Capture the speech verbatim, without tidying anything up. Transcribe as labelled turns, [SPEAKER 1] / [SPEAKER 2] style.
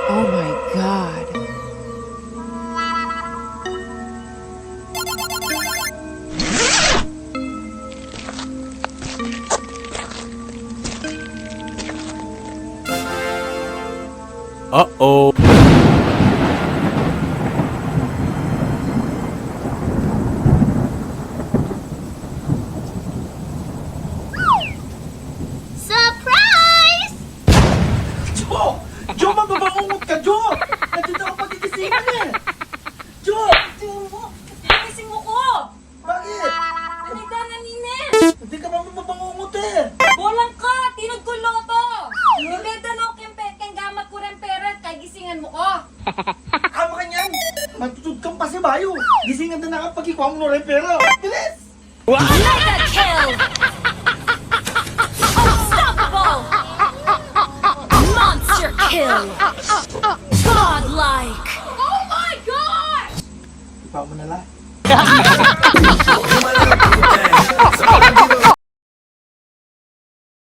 [SPEAKER 1] Oh my god.
[SPEAKER 2] Uh-oh.
[SPEAKER 3] Surprise!
[SPEAKER 4] Jo! Jo, mababangungot ka, Jo! Nandito ako pagigisingin eh! Jo!
[SPEAKER 3] Tingnan mo! Gising mo ko!
[SPEAKER 4] Bakit?
[SPEAKER 3] Anita na nines!
[SPEAKER 4] Hindi ka ba mababangungot eh!
[SPEAKER 3] Bolang ka! Tinod ko loto! Ibeda no kempe keng gamat ko rin pera kay gisingan mo ko!
[SPEAKER 4] Kama ka niyan! Matutod kang pasibayo! Gisingan na na kapag ikaw mo rin pera! Bilis!
[SPEAKER 3] Mega kill! Unstoppable! Monster kill! Godlike! Oh my god!
[SPEAKER 4] Ipa mo na lang.